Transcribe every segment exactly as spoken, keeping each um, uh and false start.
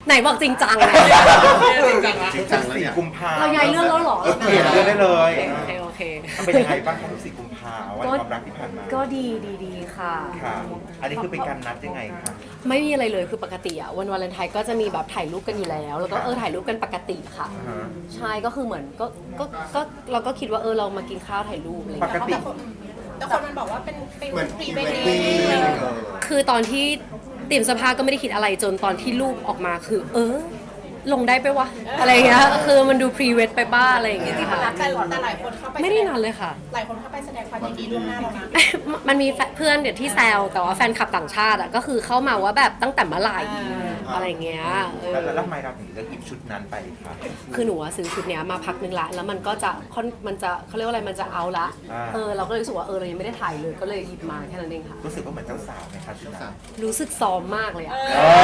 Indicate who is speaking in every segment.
Speaker 1: ไหนบอกจริงจังอะ
Speaker 2: จริงจังนะ
Speaker 3: จริงจังแล้ว
Speaker 4: สี่
Speaker 3: เนี่ย
Speaker 4: กุมภา
Speaker 1: เราย้ายเรื่องแล้วเหรอ
Speaker 4: เปลี่ยนเรื่องได้เลย
Speaker 1: โอเคโอเค
Speaker 4: เป็นยังไงบ้างครับสี่กุมภาวันความรักที่ผ่านมา
Speaker 1: ก็ดีดีดีค่ะ
Speaker 4: ค่ะอันนี้คือเป็นการนัดยังไงคะ
Speaker 1: ไม่มีอะไรเลยคือปกติอะวันวาเลนไทน์ก็จะมีแบบถ่ายรูปกันอยู่แล้ว แล้วก็เออถ่ายรูปกันปกติค่ะ
Speaker 4: อ่าฮะ
Speaker 1: ใช่ก็คือเหมือนก็ก็ก็เราก็คิดว่าเออเรามากินข้าวถ่ายรูปอะไร
Speaker 4: ป
Speaker 1: เงี้
Speaker 4: ก
Speaker 1: ย
Speaker 4: ติ
Speaker 5: แต่คนมันบอกว่าเป็นฟิล
Speaker 3: เหมือน
Speaker 5: พรี
Speaker 3: พรี
Speaker 5: เว
Speaker 3: เว
Speaker 5: ด
Speaker 3: ด
Speaker 5: ดิ้
Speaker 3: ดิ้
Speaker 5: ง
Speaker 3: ง
Speaker 1: คือตอนที่เตรียมเสื้อผ้าก็ไม่ได้คิดอะไรจนตอนที่รูปออกมาคือ เออ ลงได้ไปวะอะไรเงี้ยคือมันดูพรีเวดไปบ้าอะไรอย่างเงี้ยค่ะ
Speaker 5: แต่แต่หลายคนเข้าไป
Speaker 1: ไม่ได้นานเลยค่ะ
Speaker 5: หลายคนเข้าไปแสดงความยินดีล่วงหน้าแล้วนะ
Speaker 1: มันมีเพื่อนเดี๋ยวที่แซวแต่ว่าแฟนคลับต่างชาติอ่ะก็คือเข้ามาว่าแบบตั้งแต่เมื่อไหร่อะไรเงี้ยเออ
Speaker 4: แล้วแล้วทำไมเราถึงเลือกหยิบชุดนั้นไปคะ
Speaker 1: คือหนูอะซื้อชุดเนี้ยมาพักหนึงละแล้วมันก็จะค่อนมันจะเขาเรียกว่าอะไรมันจะเอาละเออเราก็เลยรู้สึกว่าเออเรายังไม่ได้ถ่ายเลยก็เลยหยิบมาแค่นั้นเองค่ะ
Speaker 4: รู้สึกว่าเหมือนเจ้าสาวไหมคะชุดนั้น
Speaker 1: รู้สึกซ้อมมากเลยอะ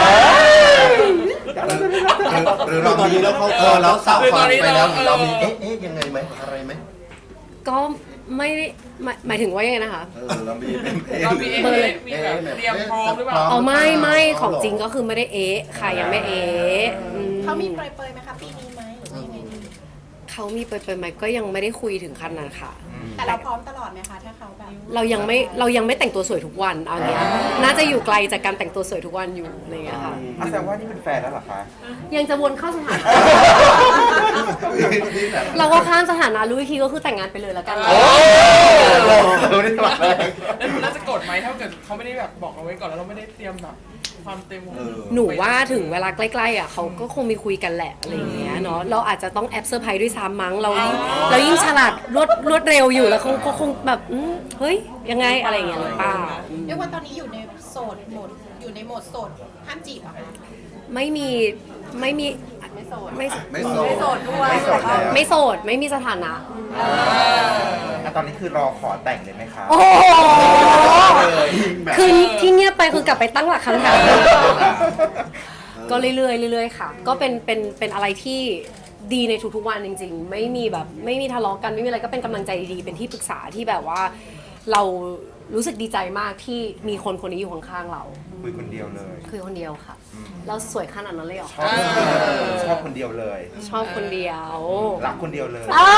Speaker 3: หรือเราตอนนี้เราเขาเออเราสาวฟังไปแล้วเรามีเอ๊ะเอ๊ะยังไงไหมอะไรไหม
Speaker 1: ก็ไม่ได้หมายหมายถึงว่ายังไงนะคะ
Speaker 3: เออเรามีเป็นเอ๊ะ
Speaker 2: เรามีเอง
Speaker 1: เบอร์เลย
Speaker 2: มีแบบเตรียมพร้อมหรือเปล่า
Speaker 1: อ๋อไม่ไม่ของจริงก็คือไม่ได้เอ๊ะค่ะยังไม่เอ๊ะอืม
Speaker 5: เขามีเปรยๆไหมคะปีนี้ไหมหรือว่ายังไงดี
Speaker 1: เขามีไปไปไหมก็ยังไม่ได้คุยถึงขั้นนั้นค่ะ
Speaker 5: แต่เราพร้อมตลอดไหมคะถ้าเขาแบบ
Speaker 1: เรายังไม่เรายังไม่แต่งตัวสวยทุกวันเอาเนี้ยน่าจะอยู่ไกลจากการแต่งตัวสวยทุกวันอยู่อะไรเงี้ยค่ะ
Speaker 4: อ่ะแสดงว่านี่เป็นแฟนแล้วเหรอคะ
Speaker 1: ยังจะวนเข้าสถานะ
Speaker 3: ที่แบบ
Speaker 1: เราก็ข้ามสถานะรู้อีกทีก็คือแต่งงานไปเลยแล้วกัน
Speaker 4: โอ้เราได้ตลอดเลย
Speaker 2: แล้วน่าจะโกรธไหมถ้าเกิดเขาไม่ได้แบบบอกเราไว้ก่อนแล้วเราไม่ได้เตรียมแบบความเต็ม
Speaker 3: เออ
Speaker 1: หนูว่าถึงเวลาใกล้ๆอ่ะเขาก็คงมีคุยกันแหละอะไรอย่างเงี้ยเนาะเราอาจจะต้องแอบเซอร์ไพรส์ด้วยซ้ำมั้งเรายิ่งเรายิ่งฉลาดรวดรวดเร็วอยู่แล้วเขาก็คงแบบอืมเฮ้ยยังไงอะไรอย่างเงี้ยหรือเปล่า
Speaker 5: เรียกว่าตอนนี้อยู่ในโสดโหมดอยู่ในโหมดโสดห้ามจีบเหรอคะ
Speaker 1: ไม่มีไม่มีไม่โสดไม่
Speaker 3: ไม่โสด
Speaker 5: โสดด้วย
Speaker 4: ไม่โสดแล้ว
Speaker 1: ไม่โสดไม่มีสถานะ
Speaker 4: อ่ะตอนนี้คือรอขอแต่งเลยไหมคะ
Speaker 1: โอ้โห
Speaker 3: แบบ
Speaker 1: คือที่เงียบไปคือกลับไปตั้งหลักคำถามก็เรื่อยๆเรื่อยๆค่ะ ก็เป็นเป็นเป็นอะไรที่ดีในทุกๆวันจริงๆ ไม่มีแบบไม่มีทะเลาะกันไม่มีอะไรก็เป็นกำลังใจดีๆเป็นที่ปรึกษาที่แบบว่าเรารู้สึกดีใจมากที่มีคนคนนี้อยู่ข้างๆเรา
Speaker 4: คุยคนเดียวเลย
Speaker 1: คือคนเดียวค่ะ เราสวยขนาดนั้นเลยเหรอ
Speaker 4: ชอบชอบคนเดียวเลย
Speaker 1: ชอบคนเดียว
Speaker 4: รักคนเดียวเลย
Speaker 1: อ้าว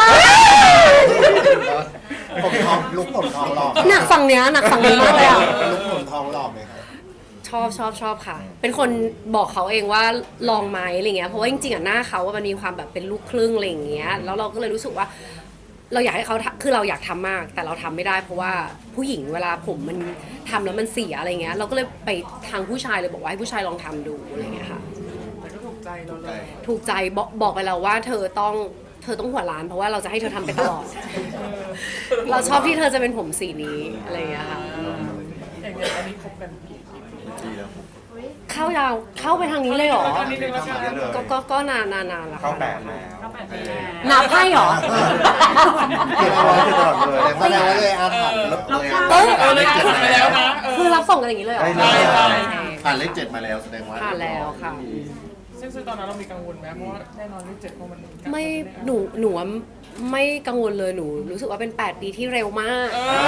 Speaker 3: ผมทองลุกผมทองหลอก
Speaker 1: หนักฝั่งเนี้ยหนักฝั่งนี้มากเลยอ่ะ
Speaker 3: ลุกผมทองหลอกเลยครับ
Speaker 1: ชอบชอบชอบค่ะ เป็นคนบอกเขาเองว่าลองไหมอะไรเงี้ย เพราะว่าจริงๆอ่ะหน้าเขาว่ามันมีความแบบเป็นลูกครึ่งอะไรอย่างเงี้ย แล้วเราก็เลยรู้สึกว่า เราอยากให้เขาทำคือเราอยากทำมาก แต่เราทำไม่ได้ เพราะว่าผู้หญิงเวลาผมมันทำแล้วมันเสียอะไรเงี้ย เราก็เลยไปทางผู้ชายเลยบอกว่าให้ผู้ชายลองทำดูอะไรเงี้ยค่ะ
Speaker 2: แต่ก็ถูกใจเราเลย
Speaker 1: ถูกใจบอกบอกไปแล้วว่าเธอต้องเธอต้องหัวล้าน เพราะว่าเราจะให้เธอทำไปตลอด เราชอบที่เธอจะเป็นผมสีนี้อะไรเงี้ยค่ะ
Speaker 2: อย่างเงี้ยอันนี้คบกันกี่ปี
Speaker 3: ดีแล้วผม
Speaker 1: เข้ายาวเข้าไปทางนี้เลยเหรอ
Speaker 2: ตอนนี้นึงแล้วกัน
Speaker 4: เยอะเลย
Speaker 1: ก็ก็ก็นานนานนานแล้ว
Speaker 4: เข้า
Speaker 1: ค่ะ
Speaker 4: แปดแล้ว
Speaker 1: นับให้เหรอ
Speaker 4: เก็บเอาไว้ตลอดเลย
Speaker 3: แต่แสดงว่าเลยอาถรรพ์แล้วเลย
Speaker 1: เอ้ย
Speaker 2: เออเลยกดไปแล้วนะเออ
Speaker 1: คือรับส่งกันอย่างนี้เลยเหรอ
Speaker 4: ได้เลย
Speaker 2: ได้
Speaker 3: ผ่านเลขเจ็ดมาแล้วแสดงว่า
Speaker 1: ผ่านแล้วค่ะ
Speaker 2: ซึ่งซึ่งตอนนั้นเรามีกังวลไหมเพราะว่าแน่นอนเลขเจ็ดเพราะมัน
Speaker 1: ไม่หนูหนูว่าไม่กังวลเลยหนูรู้สึกว่าเป็นแปดปีที่เร็วมาก
Speaker 2: เออ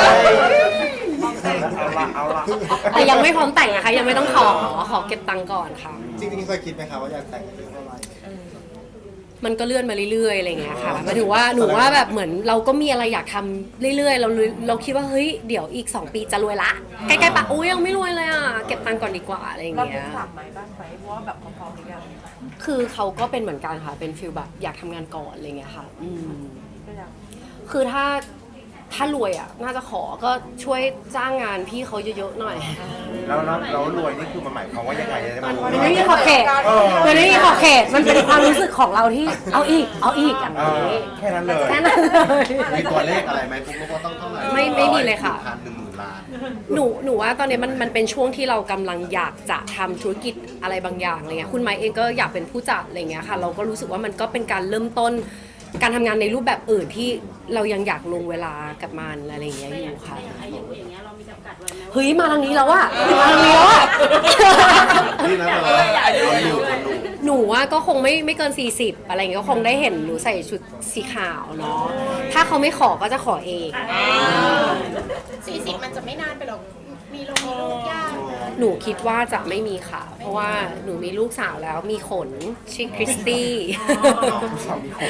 Speaker 4: เอาละเอาละ
Speaker 1: แต่ยังไม่พร้อมแต่งนะคะยังไม่ต้องขอขอเก็บตังค์ก่อนค่ะ
Speaker 3: จริงๆเคยคิดไหมครับว่าอยากแต่งอายุเท่าไหร่
Speaker 1: มันก็เลื่อนมาเรื่อยๆอะไรเงี้ยค่ะหมายถึงว่าหนูว่าแบบเหมือนเราก็มีอะไรอยากทำเรื่อยๆ เราเราคิดว่าเฮ้ยเดี๋ยวอีกสองปีจะรวยละใกล้ๆปะอุ้ยยังไม่รวยเลยอ่ะเก็บตังค์ก่อนดีกว่าอะไรอย่าง
Speaker 6: เรา
Speaker 1: เงี้
Speaker 6: เป็น
Speaker 1: ย
Speaker 6: ถามไหมบ้างไหมเพราะว่าแบบพร้อมๆหรือยัง
Speaker 1: คือเขาก็เป็นเหมือนกันค่ะเป็นฟิลแบบอยากทำงานก่อนอะไรเงี้ยค่ะอืม
Speaker 6: ก็ยัง
Speaker 1: คือถ้าถ้ารวยอ่ะน่าจะขอก็ช่วยจ้างงานพี่เขาเยอะๆหน่อย
Speaker 4: แล้วแล้วแล้วรวยนี่คือมันหมายความว่ายังไงจะ
Speaker 1: มัน
Speaker 4: รู้
Speaker 1: มันไม่มีขอบเขตมันไม่มีขอบเขตมันเป็นความรู้สึกของเราที่เอาอีกเอาอีกอย่าง
Speaker 4: เออ
Speaker 1: นี้
Speaker 4: แค่นั้นเลย
Speaker 1: แค่นั้นเลย
Speaker 3: มีตัวเลขอะไรไหมปุ๊กว่าต้องเท่าไหร่
Speaker 1: ไม่ไม่มีเลยค่ะ
Speaker 3: พันหนึ่งหมื่นล้าน
Speaker 1: หนูหนูว่าตอนนี้มันมันเป็นช่วงที่เรากำลังอยากจะทำธุรกิจอะไรบางอย่างอะไรเงี้ยคุณไมค์เองก็อยากเป็นผู้จัดอะไรเงี้ยค่ะ เราก็รู้สึกว่ามันก็เป็นการเริ่มต้น การทำงานในรูปแบบอื่นที่เรายังอยากลงเวลากับมันอะไรอย่างเงี้ยอยู่ค่ะเฮ้ยมาทางนี้แล้วอะมาทางนี้แล้วอะ
Speaker 3: นี่นะเราคนดูคนดู
Speaker 1: หนูว่าก็คงไม่ไม่เกิน สี่สิบ อะไรเงี้ยก็คงได้เห็นหนูใส่ชุดสีขาวเนาะถ้าเขาไม่ขอก็จะขอเอง
Speaker 5: สี่สิบมันจะไม่นานไปหรอกมีลงมีลูกยาก
Speaker 1: หนูคิดว่าจะไม่มีค่ะ เพราะว่าหนูมีลูกสาวแล้วมีขนชื่อคริสตี้
Speaker 4: ผู้สาวมีคน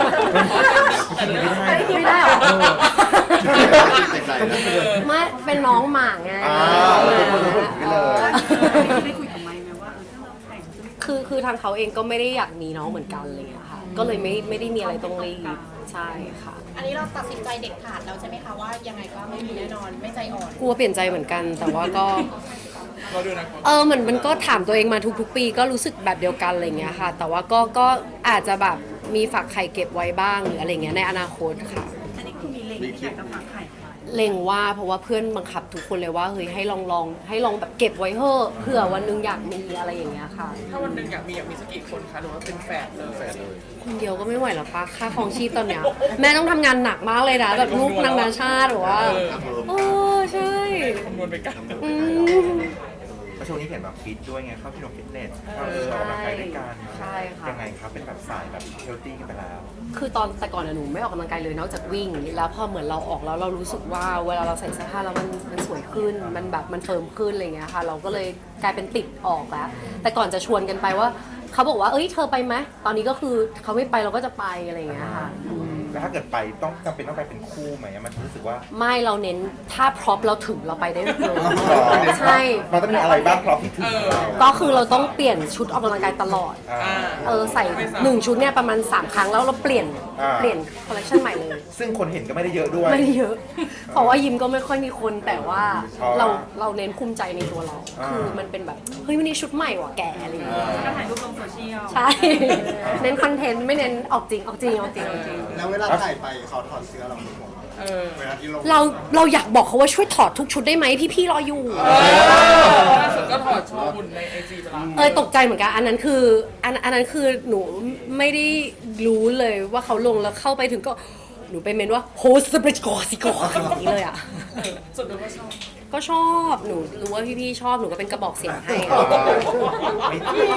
Speaker 1: ไม่ได้หรอ
Speaker 3: เด็กไหนนะ
Speaker 1: ไม่เป็นน้องหมาไง
Speaker 4: อ่าเป็นคนพูดไปเลย
Speaker 6: ได้คุยกับไมค์ไหมว่าเออถ้าเราแต่งจะไม่
Speaker 1: คือคือทางเขาเองก็ไม่ได้อยากมีน้องเหมือนกันอะไรเงี้ยค่ะ ก็เลยไม่ไม่ได้มีอะไรต้องรีบใช่ค่ะ
Speaker 5: อันนี้เราตัดสินใจเด็ดขาดแล้วใช่ไหมคะว่ายังไงก็ไม่มีแน่นอนไม่ใจอ่อน
Speaker 1: กลัวเปลี่ยนใจเหมือนกัน แต่ว่าก็
Speaker 2: เราดูนะ
Speaker 1: เออเหมือนมันก็ถามตัวเองมาทุกๆปีก็รู้สึกแบบเดียวกันอะไรเงี้ยค่ะ แต่ว่าก็ก็อาจจะแบบมีฝากไข่เก็บไว้บ้างหรืออะไรเงี้ยในอนาคตค่ะ
Speaker 6: อันนี้คือมีเล็งที่อยากจะฝากไข่
Speaker 1: เล็งว่าเพราะว่าเพื่อนบังคับทุกคนเลยว่าเฮ้ยให้ลองลองให้ลองแบบเก็บไว้เถอะเผื่อวันหนึงอยากมีอะไรอย่างเงี้ยค่ะ
Speaker 2: ถ้าวันหนึ่งอยากมีอยากมีสักกี่คนคะหรือว่าเป็นแฝดเลยแฝดเลย
Speaker 1: คนเดียวก็ไม่ไหวแล้วปะค่าครองชีพตอนเนี้ยแม่ต้องทำงานหนักมากเลยนะแบบลูกนางนาชาติหรือว่าเออใช่
Speaker 2: คำนวณไปกัน
Speaker 1: อืม
Speaker 4: เพราะช่วงนี้เห็นแบบฟิตด้วยไงเข้าที่โรงฟิตเนสเข้าเออออกกำลังกายด้วยกัน
Speaker 1: ใช่ค่ะ
Speaker 4: ยังไงครับเป็นแบบสายแบบเฮลตี้กันไปแล้ว
Speaker 1: คือตอนแต่ก่อนอะหนูไม่ออกกำลังกายเลยนอกจากวิ่ง แล้วพอเหมือนเราออกแล้วเรารู้สึกว่าเวลาเราใส่เสื้อผ้าแล้วมันมันสวยขึ้น มันแบบมันเฟิร์มขึ้นอะไรเงี้ยค่ะ เราก็เลยกลายเป็นติดออกแล้ว แต่ก่อนจะชวนกันไปว่าเขาบอกว่าเอ้ยเธอไปไหมตอนนี้ก็คือเขาไม่ไปเราก็จะไปอะไรเงี้ยค่ะอืม
Speaker 4: แล้วถ้าเกิดไปต้องจำเป็นต้องไปเป็นคู่ไหมมันรู้สึกว่า
Speaker 1: ไม่เราเน้นถ้าพร็อพเราถึงเราไปได้เลยใช่
Speaker 4: มันต้องมีอะไรบ้างพร้อมที่ถึงเรา
Speaker 1: ก็คือเราต้องเปลี่ยนชุดออกกำลังกายตลอด
Speaker 4: อ่า
Speaker 1: เออใส่หนึ่งชุดเนี่ยประมาณสามครั้งแล้วเราเปลี่ยน
Speaker 4: อ่า
Speaker 1: เปลี่ยนคอลเลคชันใหม่เลย
Speaker 4: ซึ่งคนเห็นก็ไม่ได้เยอะด้วย
Speaker 1: ไม่ได้เยอะ เพราะว่ายิมก็ไม่ค่อยมีคนแต่ว่า
Speaker 4: อ๋อ
Speaker 1: เราเราเน้นภูมิใจในตัวเรา
Speaker 4: อ่า
Speaker 1: คือมันเป็นแบบเฮ้ยวันนี้ชุดใหม่ว่ะแกอะไรอย่างเงี้ย
Speaker 6: ก็ถ่ายรูปลงโซเชียล
Speaker 1: ใช่ เน้นคอนเทนต์ไม่เน้นออกจริงออกจริงออกจริงออกจริง
Speaker 3: แล้วเวลาถ่ายไปเขาถอดเสื้อเราไม่ห่วง
Speaker 2: เออ
Speaker 3: เวลาที่ลง
Speaker 1: เราเราอยากบอกเขาว่าช่วยถอดทุกชุดได้ไหมพี่ๆรออยู่
Speaker 2: ล่าสุดก็ถอดโชว์หุ่นในไอจีไปแล้ว
Speaker 1: เอยตกใจเหมือนกัน อันนั้นคืออันอันนั้นคือหนูไม่ได้รู้เลยว่าเขาลงแล้วเข้าไปถึงก็หนูไปเมนว่าโฮสเปรชกอสิกออย่างนี้เลยอ่ะ
Speaker 2: สุดดูก็ชอบ
Speaker 1: ก็ชอบหนูรู้ว่าพี่ๆชอบหนูก็เป็นกระบอกเสียงให้
Speaker 4: ไม่จริง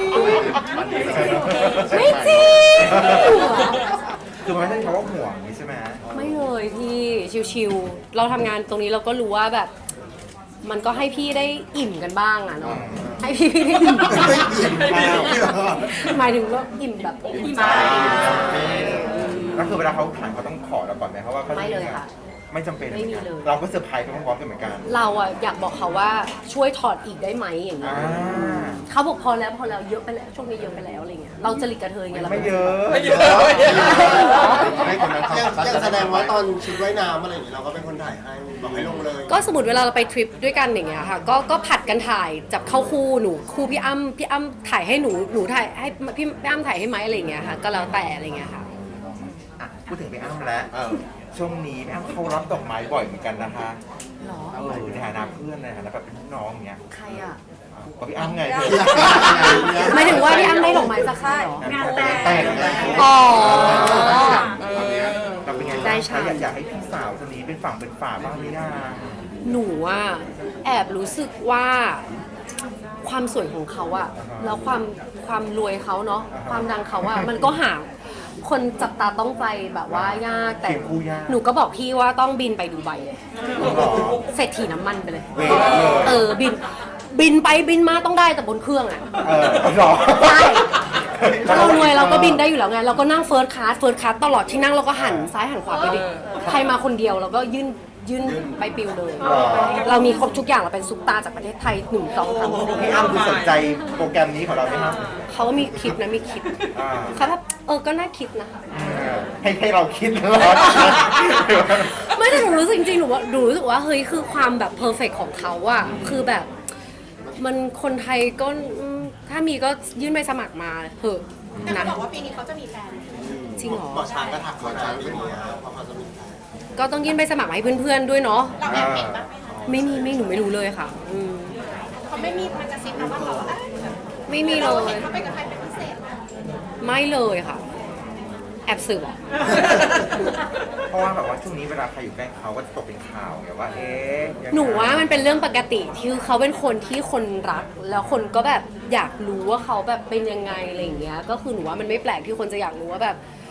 Speaker 1: ไม่จริง
Speaker 4: คือมันไม่ใช่คำว่าห่วงนี่ใช่ไหม
Speaker 1: ไม่เลยพี่ชิวๆเราทำงานตรงนี้เราก็รู้ว่าแบบ มันก็ให้พี่ได้อิ่มกันบ้างอะเนาะให้พี่ได้อิ่ม
Speaker 3: ไม่อิ่มไม่อิ่มไม่หรอ
Speaker 1: หมายถึงว่าอิ่มแบบอิ่มใจ
Speaker 4: แล้วคือเวลาเขาถ่ายเขาต้องขอเราก่อนไหมเพราะว่าเขาจะ
Speaker 1: ไม่เลยค่ะ
Speaker 4: ไม่จำเป็น
Speaker 1: ไม่มีเลย
Speaker 4: เราก็เซอร์ไพรส์ไปพร้อมๆกันเหมือนกัน
Speaker 1: เราอะอยากบอกเขาว่าช่วยถอดอีกได้ไหมอย่างเงี้
Speaker 4: อ่าย
Speaker 1: เขาบอกพอแล้วพอแล้วเยอะไปแล้วช่วงนี้เยอะไปแล้วอะไรเงี้ยเราจะหลีกกระเทยไงเรา
Speaker 4: ไม่เยอะ
Speaker 2: ไม่เยอะ
Speaker 3: ให้คนนั้นเขายังแสดงว่าตอนชุดว่ายน้ำอะไรอย่างนี้เราก็เป็นคนถ่ายให้บอกให้ลงเลย
Speaker 1: ก็สมมติเวลาเราไปทริปด้วยกันอย่างเงี้ยค่ะก็ก็ผัดกันถ่ายจับเข้าคู่หนูคู่พี่อ้ำพี่อ้ำถ่ายให้หนูหนูถ่ายให้พี่พี่อ้ำถ่ายให้ไหมอะไรเงี้ยค่ะก็แล้วแต่อะไรเงี้ยค่ะ
Speaker 4: อ่ะพูดถึงพี่อ้ำแล้ว
Speaker 3: เออ
Speaker 4: ช่วงนี้พี่อ้ำเขารับดอกไม้บ่อยเหมือนกันนะคะ
Speaker 1: หรอ
Speaker 4: เออในฐานะเพื่อนในฐานะแบบเป็นพี่น้องอย่างเงี้ย
Speaker 1: ใครอ่ะ
Speaker 4: ก็พี่อ้ำไง
Speaker 1: หมายถึงว่าพี่อ้ำได้ดอกไม้จากค่ายเหรอ
Speaker 4: งานแต่งแต่งงาน
Speaker 1: อ๋อ
Speaker 2: เออ
Speaker 4: เราเป็นไง
Speaker 1: ได้
Speaker 4: บ้าง
Speaker 1: ใช่
Speaker 4: คะอยากอยากให้พี่สาวคนนี้เป็นฝั่งเป็นฝาบ้างไหมนะ
Speaker 1: หนูอ่ะแอบรู้สึกว่าความสวยของเขาอะแล้วความความรวยเขาเนาะความดังเขาอะมันก็หาคนจับตาต้องใจแบบว่ายากแต่
Speaker 4: เขียนคู่ยาก
Speaker 1: หนูก็บอกพี่ว่าต้องบินไปดูไบเลย
Speaker 4: หรอ
Speaker 1: เศรษฐีน้ำมันไปเลย
Speaker 4: เวทเลย
Speaker 1: เออบินบินไปบินมาต้องได้แต่บนเครื่องอะ
Speaker 4: เออหรอ
Speaker 1: ใช่เรารวยเราก็บินได้อยู่แล้วไงเราก็นั่งเฟิร์สคลาสเฟิร์สคลาสตลอดที่นั่งเราก็หันซ้ายหันขวาไปดิใครมาคนเดียวเราก็ยื่นยื่นไปปิวเลย เรามีครบทุกอย่างเราเป็นซุปตาจากประเทศไทยหนึ่งสองสาม
Speaker 4: พี่อ้ำดูสนใจโปรแกรมนี้ของเราไหมครับ
Speaker 1: เขาก็มีคิดนะมีคิด
Speaker 4: อ่า
Speaker 1: เขาแบบเออก็น่าคิดนะ
Speaker 4: ให้ให้เราคิดตลอด
Speaker 1: ไม่แต่หนูรู้สึกจริงๆหนูว่าหนูรู้สึกว่าเฮ้ยคือความแบบเพอร์เฟกของเขาอะคือแบบ มันคนไทยก็อืมถ้ามีก็ยื่นใบสมัครมาเถอะ
Speaker 5: แต่เขา
Speaker 1: นะ
Speaker 5: บอกว่าปีนี้เขาจะมีแฟน
Speaker 1: จริงเหรอ
Speaker 3: หมอช้างก็ถักเขาช้างอย่างนี้เพราะเขาจะมีแฟน
Speaker 1: ก็ต้องยื่นใบสมัครมาให้เพื่อนๆด้วยเนาะ
Speaker 5: เราแอบเห็นบ้างไหมคะ
Speaker 1: ไม่มีไม่หนูไม่รู้เลยค่ะอืม
Speaker 5: เขาไม่มีมันจะซิบนะว่าเราเอ้ย
Speaker 1: ไม่มีเล
Speaker 5: เรา
Speaker 1: ย
Speaker 5: เห็นเขาไปกับใครเป็นพิเศษนะ
Speaker 1: ไม่เลยค่ะ แอบสืบอะ
Speaker 4: เพราะว่าแบบว่าช่วงนี้เวลาใครอยู่ใกล้เขาก็จะตกเป็นข่าวไงว่าเอ๊ะยังไง
Speaker 1: หนูว่ามันเป็นเรื่องปกติที่เขาเป็นคนที่คนรัก แล้วคนก็แบบอยากรู้ว่าเขาแบบเป็นยังไงอะไรอย่างเงี้ย ก็คือหนูว่ามันไม่แปลกที่คนจะอยากรู้ว่าแบบ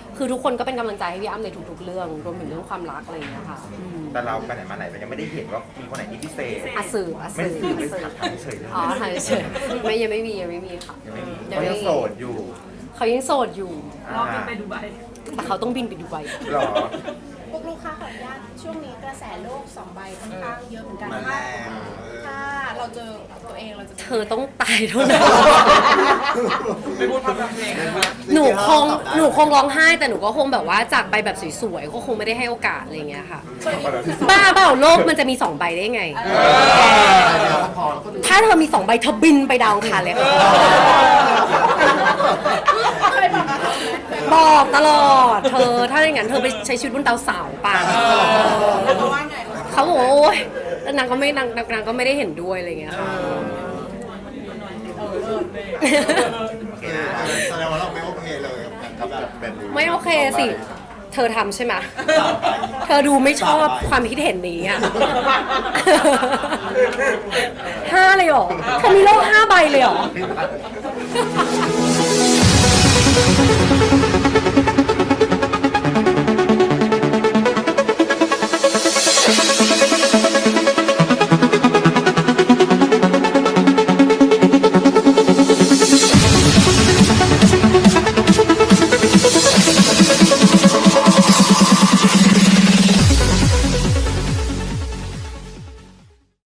Speaker 1: คือทุกคนก็เป็นกำลังใจให้พี่อ้ำในทุกๆเรื่องรวมถึงเรื่องความรักอะไรอย่างเงี้ยค่ะอืม
Speaker 4: แต่เราไปไหนมาไหนเรายังไม่ได้เห็นว่ามีคนไหนที่พิเศษ
Speaker 1: อาสื่ออา
Speaker 4: ไม่
Speaker 1: สื่อ
Speaker 4: สื่อไม่ถามเฉยๆเลย
Speaker 1: อ๋อถ่ายเฉยๆไม่ยังไม่มียังไม่มีค่ะ
Speaker 4: ยังไม่มี
Speaker 1: ยัง
Speaker 4: เขา
Speaker 1: ไม่
Speaker 4: ยัง
Speaker 1: มี
Speaker 4: โสดอยู่
Speaker 1: เขายังโสดอยู่
Speaker 6: รอบกันไปดูไบ
Speaker 1: แต่เขาต้องบินไปดูไบ
Speaker 4: หรอ
Speaker 5: พวกลูกค้าขออนุญาตช่วงนี้กระแสโลกสองใบค่อนข้างเยอะเหมือนกัน
Speaker 3: มันแร
Speaker 5: ถ้าง ถ้าเราเจอตัวเองเราจะ
Speaker 1: เธอต้องตายเท่านั้น
Speaker 2: ไม่พูดพร่ำทำเพลงนะคะ
Speaker 1: หนูคงหนูคงร้องไห้แต่หนูก็คงแบบว่าจากไปแบบสวยๆก็คงไม่ได้ให้โอกาสอะไรอย่างเงี้ยค่ะ บ้าเปล่าโลกมันจะมีสองใบได้ไง ถ้าเธอมีสองใบเธอบินไปดาวอังคารเลยค่ะ
Speaker 5: เคยบอกกับเขาไหมเคย
Speaker 1: บอกตลอด เธอถ้าอย่างนั้นเธอไปใช้ชีวิตบนดาวเสาร์ป่ะ
Speaker 5: แล้วเขาว่าไง
Speaker 1: เขาบอกว่าโอ๊ยแล้วนางก็ไม่นางนางก็ไม่ได้เห็นด้วยอะไรอย่างเงี้ยค่ะ
Speaker 4: โอเคนะ
Speaker 3: แสดงว่าเราไม่โอเคเลยกับการเป็น
Speaker 1: ไม่โอเคสิ เธอทำใช่ไหม เธอดูไม่ชอบความคิดเห็นนี้อ่ะ ห้าเลยเหรอเธอมีโลกห้าใบเลยเหรอ